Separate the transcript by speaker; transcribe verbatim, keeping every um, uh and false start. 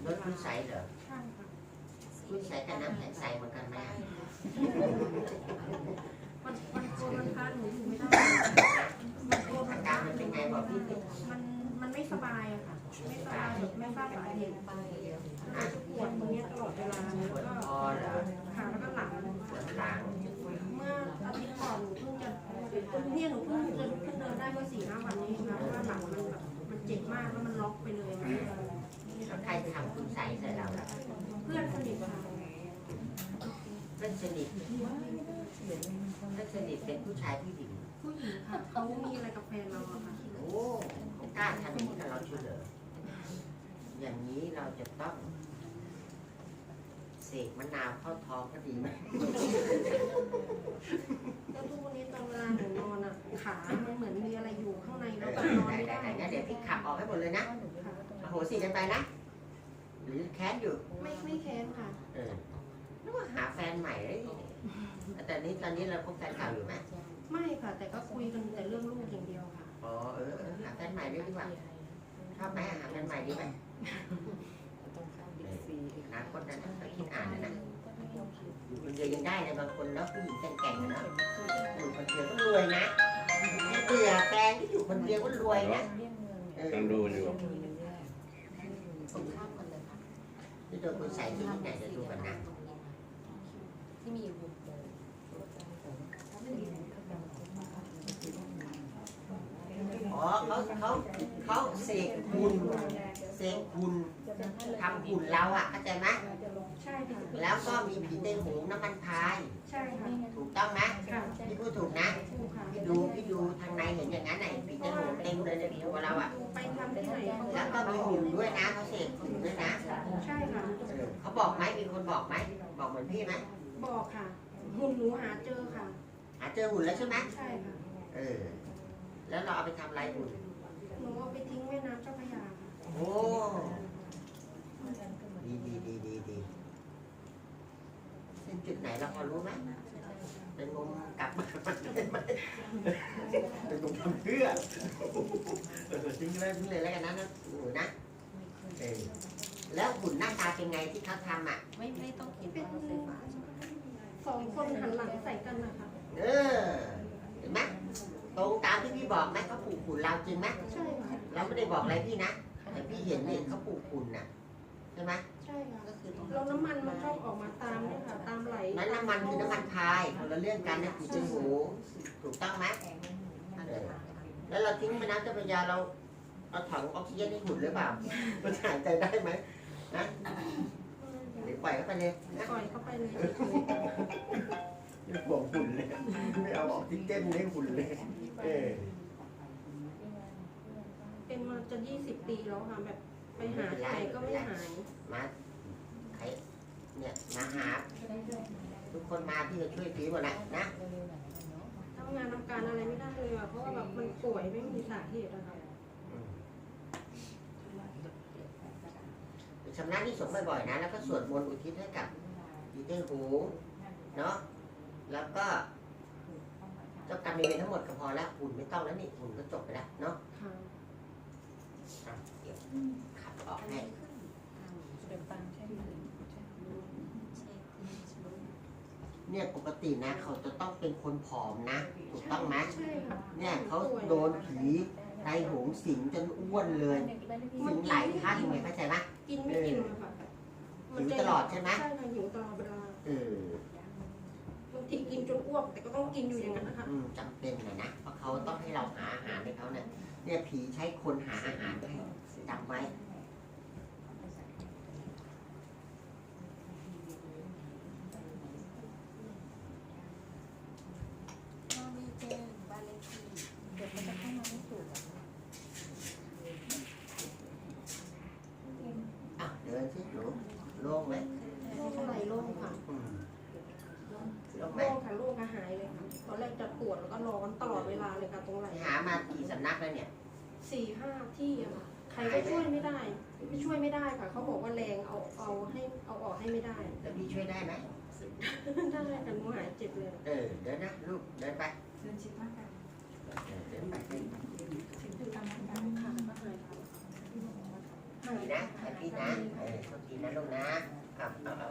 Speaker 1: รถคุณใสเหรอ
Speaker 2: ใช่ค่ะ
Speaker 1: คุณใสกับน้ำแข็งใสเหมือนกันไหม
Speaker 2: มันมันโกนมันพาหนูอยู่ไม่ได้มันโกนมั
Speaker 1: อาน การมันเป็นไงบอกพี่สิ
Speaker 2: มันมันไม่สบายอะค่ะไม่สบายไม่ทราบสาเหตุมันจะปวดตรงนี้ตลอดเวลาแล้วก็ขาแล้วก็หลัง
Speaker 1: ปวดหลัง
Speaker 2: เมื่ออาทิตย์ก่อนหนูเพิ่งจะเนี่ยหนูเพิ่งจะลุกขึ้นเดินได้เมื่อสี่ห้าวันนี้นะเพราะว่าหลังมันแบบมันเจ็บมากแล้วมันล็อกไปเลย
Speaker 1: แล้วใครทำคุณใสใส่เราล่ะ
Speaker 2: เพื่อนสนิทค่ะ
Speaker 1: เพื่อนสนิทเพื่อนสนิทเป็นผู้ชายผู้หญิง
Speaker 2: ผู้หญิงค่ะเขามีอะไรกับแฟนเราอะค่ะ
Speaker 1: โอ้เขากล้าทำอย่างนี้กับเราช่วยเหรออย่างนี้เราจะต้องเสกมะนาวเข้าท้องก็ดีไหม
Speaker 2: แล้วทุกวันนี้ตอนเวลาหนูนอนอะขามันเหมือนมีอะไรอยู่ข้างใน
Speaker 1: เอ
Speaker 2: แล้ว
Speaker 1: อ
Speaker 2: ก็นอน
Speaker 1: ได้
Speaker 2: ไม่
Speaker 1: ได้
Speaker 2: ได้
Speaker 1: ได้งั้นเดี๋ยวพี่ขับออกให้หมดเลยนะ
Speaker 2: ค่ะ
Speaker 1: อโหสิกันไปนะ หรือแค้นอยู่
Speaker 2: ไม่ไม่แค้นค่ะ
Speaker 1: เออนึกว่าหาแฟนใหม่เลยแต่นี้ตอนนี้เราคบแฟนเก่าอยู่ไหม
Speaker 2: ไม่ค่ะ แต่ก็คุยกันแต่เรื่องลูกอย่างเดียวค่ะ
Speaker 1: อ๋อเออเออหาแฟนใหม่ด้วยดีกว่าชอบไหมหาแฟนใหม่ดีไหมอนาคตนะนะเราคิดอ่านนะนะอยู่คนเดียวยังได้เลยบางคนแล้วผู้หญิงแก่งๆนะอยู่คนเดียวก็รวยนะเบื่อแฟนที่อยู่คนเดียวก็รวยนะเออ
Speaker 3: ยังดูอยู่
Speaker 1: นี่โดนคุณใส่ที่ไหนจะดูกันนะ
Speaker 4: ที่มีอยู่
Speaker 1: อ๋อเขาเขาเขาเสกหุ่นเสกหุ่นทำหุ่นเราอ่ะเข้าใจไหม
Speaker 2: ใช่ค่ะ
Speaker 1: แล้วก็มีผีเต้นหงน้ำมันพาย
Speaker 2: ใช่ค่ะ
Speaker 1: ถูกต้องไหม
Speaker 2: ค่ะ
Speaker 1: พี่พูดถูกนะ
Speaker 2: ถูกค่ะ
Speaker 1: พี่ดูพี่ดูทางในเห็นอย่างนั้นไหนผีเต้นหงเต็มเลยในตัวเราอ่ะ
Speaker 2: ไปทำที่ไหนเขา
Speaker 1: แล้วก็มีหุ่นด้วยนะเขาเสกหุ่นด้วยนะ
Speaker 2: ใช่ค่ะ
Speaker 1: เออเขาบอกไหมมีคนบอกไหมบอกเหมือนพี่ไหม
Speaker 2: บอกค่ะหุ่นหนูหาเจอค่ะ
Speaker 1: หาเจอหุ่นแล้วใช่ไหม
Speaker 2: ใช่ค่ะ
Speaker 1: เออแล้วเราเอาไปทำอะไรหุ่น
Speaker 2: หนูเอาไปทิ้งแม่น้ำเจ้าพระยาค่ะ
Speaker 1: โอ้ดีดีดีดีดีเป็นจุดไหนเราพอรู้ไหมเป็นงมกลับมาเป็นไหมเป็นงมทำเพื่อเออทิ้งเลยทิ้งเลยแล้วกันนะนะหนูนะเออแล้วหุ่นหน้าตาเป็นไงที่เขาทำอ่ะ
Speaker 4: ไม่ไม่ต้องคิด
Speaker 2: เป็น
Speaker 4: ว่าไฟฟ้า
Speaker 2: สองคนหันหลังใส่กันนะคะ
Speaker 1: เออเห็นไหมตรงตามที่พี่บอกไหมเขาปลูกหุ่นเราจริงไหม
Speaker 2: ใช่ค่ะ
Speaker 1: เราไม่ได้บอกอะไรพี่นะแต่พี่เห็นนี่เขาปลูกหุ่นน่ะใช่ไหม
Speaker 2: ใช่ค่ะ
Speaker 4: ก็คือตรง
Speaker 2: แล้วน้ำมันมันชอบออกมาตามเนี่ยค่ะ ตามไหล
Speaker 1: นั้นน้ำมันคือน้ำมันพายคนละเรื่องกันนะผีจมูกถูกต้องไหมแล้วเราทิ้งไปน้ำเจ้าพระยาเราเอาถังออกซิเจนให้หุ่นหรือเปล่ามันหายใจได้ไหมนะเดี๋ยวปล่อยเข้าไปเลยนะ
Speaker 2: ปล่อยเข้าไปเลย
Speaker 1: ไม่บอกหุ่นเลยไม่เอาออกซิเจนให้หุ่นเลยเออ
Speaker 2: เป็นมาจะยี่สิบปีแล้วค่ะแบบไปหาที่ไหนก็ไม่หาย
Speaker 1: มาใครเนี่ยมาหาทุกคนมาพี่จะช่วยพี่หมดแหละนะ
Speaker 2: ทำงานทำการอะไรไม่ได้เลยอ่ะเพราะว่าแบบมันป่วยไม่มีสาเหตุอะค่ะ
Speaker 1: ชำระที่สงฆ์บ่อยๆนะแล้วก็สวดมนต์อุทิศให้กับผีเต้นหูเนาะแล้วก็เจ้ากรรมนายเวรทั้งหมดก็พอแล้วหุ่นไม่ต้องแล้วนี่หุ่นก็จบไปแล้วเนาะ
Speaker 2: ค่ะ
Speaker 1: อ่ะเดี๋ยวขับออกให้
Speaker 4: เป็นปังใช่ไหม
Speaker 1: เนี่ยปกตินะเขาจะต้องเป็นคนผอมนะถูกต้องไหม
Speaker 2: ใช่ค่ะ
Speaker 1: เนี่ยเขาโดนผีไตหงสิงจนอ้วนเลยสิงหลายท่านไงเข้าใจไหม
Speaker 2: กินไม่กินอะค่ะ
Speaker 1: หิวตลอดใช่ไหม
Speaker 2: ใช่ค่ะหิวตลอดเวลา
Speaker 1: เออบ
Speaker 2: างทีกินจนอ้วกแต่ก็ต้องกินอยู่อย่างนั้นนะคะ
Speaker 1: อืมจำเป็นหน่อยนะเพราะเขาต้องให้เราหาอาหารให้เขาเนี่ยเนี่ยผีใช้คนหาอาหารให้จำไว้
Speaker 4: ถ้าไม่แจ้งบ้านเลขที่เดี๋ยวมันจะเข้ามาไม่ถูก
Speaker 1: อ่ะเดินสิหนูโล่งไหม
Speaker 2: โรคอะไรโรคค่ะ
Speaker 1: อืมโล่งไหม
Speaker 2: โรคค่ะโรคก็หายเลยค่ะตอนแรกจะปวดแล้วก็ร้อนตลอดเวลาเลยค่ะตรงไหล่
Speaker 1: หามากี่สำนักแล้วเนี่ย
Speaker 2: สี่ห้าที่อะค่ะใครก็ช่วยไม่ได้ ไม่ช่วยไม่ได้ค่ะเขาบอกว่าแรงเอาเอาให้เอาออกให้ไม่ได้
Speaker 1: แล้วพี่ช่วยได้ไหม
Speaker 2: ได้แต่หนูหายเจ็บเลย
Speaker 1: เออเดินนะลูกเดินไป
Speaker 4: เดินชิดมากกัน
Speaker 1: เออเดินไปเดินไป
Speaker 4: ถึงคือตามนั้น
Speaker 2: ค่ะก็หายค่ะห
Speaker 1: ดีนะแฮปปี้นะเออโชคดีนะลูกนะเอาเอาเอา